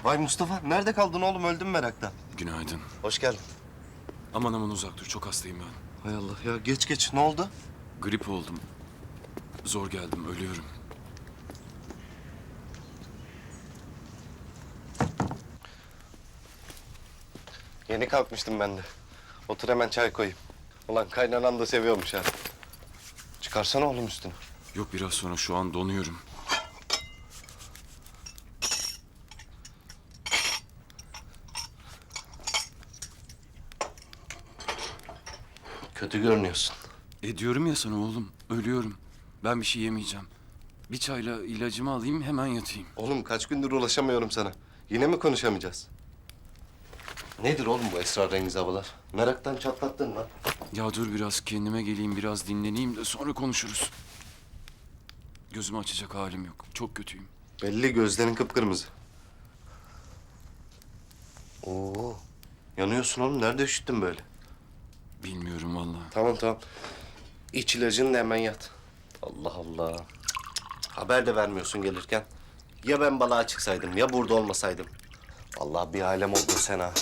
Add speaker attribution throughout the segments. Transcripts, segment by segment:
Speaker 1: Vay Mustafa, nerede kaldın oğlum? Öldüm meraktan.
Speaker 2: Günaydın.
Speaker 1: Hoş geldin.
Speaker 2: Aman aman uzak dur. Çok hastayım ben.
Speaker 1: Hay Allah ya, geç. Ne oldu?
Speaker 2: Grip oldum. Zor geldim. Ölüyorum.
Speaker 1: Yeni kalkmıştım ben de. Otur hemen çay koyayım. Ulan kaynanan da seviyormuş ha. Çıkarsana oğlum üstünü.
Speaker 2: Yok biraz sonra şu an donuyorum.
Speaker 1: Kötü görünüyorsun.
Speaker 2: Diyorum ya sana oğlum. Ölüyorum. Ben bir şey yemeyeceğim. Bir çayla ilacımı alayım hemen yatayım.
Speaker 1: Oğlum kaç gündür ulaşamıyorum sana. Yine mi konuşamayacağız? Nedir oğlum bu esrarengiz havalar? Meraktan çatlattın lan.
Speaker 2: Ya dur biraz kendime geleyim biraz dinleneyim de sonra konuşuruz. Gözümü açacak halim yok. Çok kötüyüm.
Speaker 1: Belli, gözlerin kıpkırmızı. Oo, yanıyorsun oğlum. Nerede üşüttün böyle?
Speaker 2: Bilmiyorum vallahi.
Speaker 1: Tamam. İç ilacını da hemen yat. Allah Allah. Haber de vermiyorsun gelirken. Ya ben balığa çıksaydım ya burada olmasaydım. Allah bir alem oldun sen ha.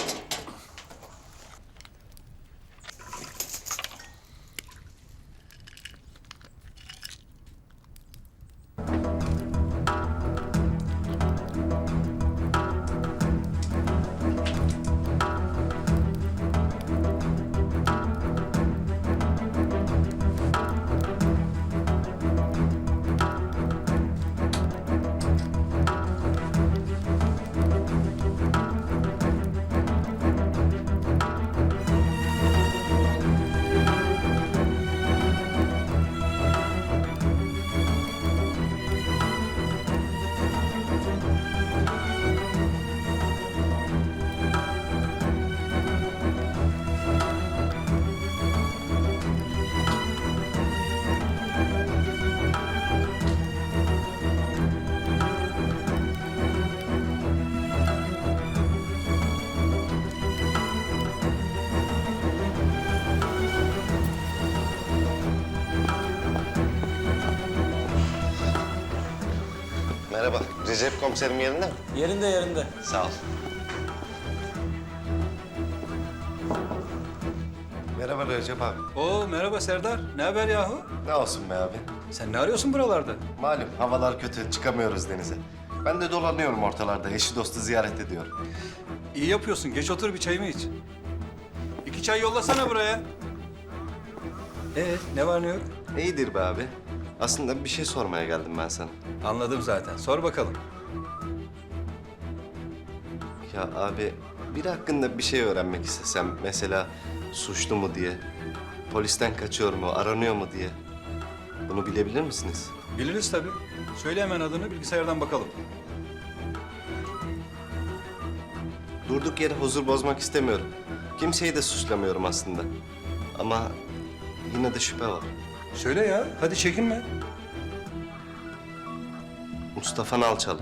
Speaker 1: Merhaba. Recep komiserim yerinde mi?
Speaker 3: Yerinde.
Speaker 1: Sağ ol. Merhaba Recep abi.
Speaker 3: Oo merhaba Serdar. Ne haber yahu?
Speaker 1: Ne olsun be abi?
Speaker 3: Sen ne arıyorsun buralarda?
Speaker 1: Malum havalar kötü, çıkamıyoruz denize. Ben de dolanıyorum ortalarda, eşi dostu ziyaret ediyorum.
Speaker 3: İyi yapıyorsun. Geç otur bir çayımı iç. 2 çay yollasana buraya. Ne var ne yok?
Speaker 1: İyidir be abi. Aslında bir şey sormaya geldim ben sana.
Speaker 3: Anladım zaten. Sor bakalım.
Speaker 1: Ya abi, biri hakkında bir şey öğrenmek istesem, mesela suçlu mu diye, polisten kaçıyor mu, aranıyor mu diye. Bunu bilebilir misiniz?
Speaker 3: Biliriz tabii. Söyle hemen adını bilgisayardan bakalım.
Speaker 1: Durduk yere huzur bozmak istemiyorum. Kimseyi de suçlamıyorum aslında. Ama yine de şüphe var.
Speaker 3: Söyle ya. Hadi çekinme.
Speaker 1: Mustafa Nalçalı.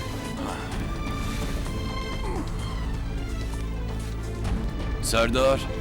Speaker 2: Serdar.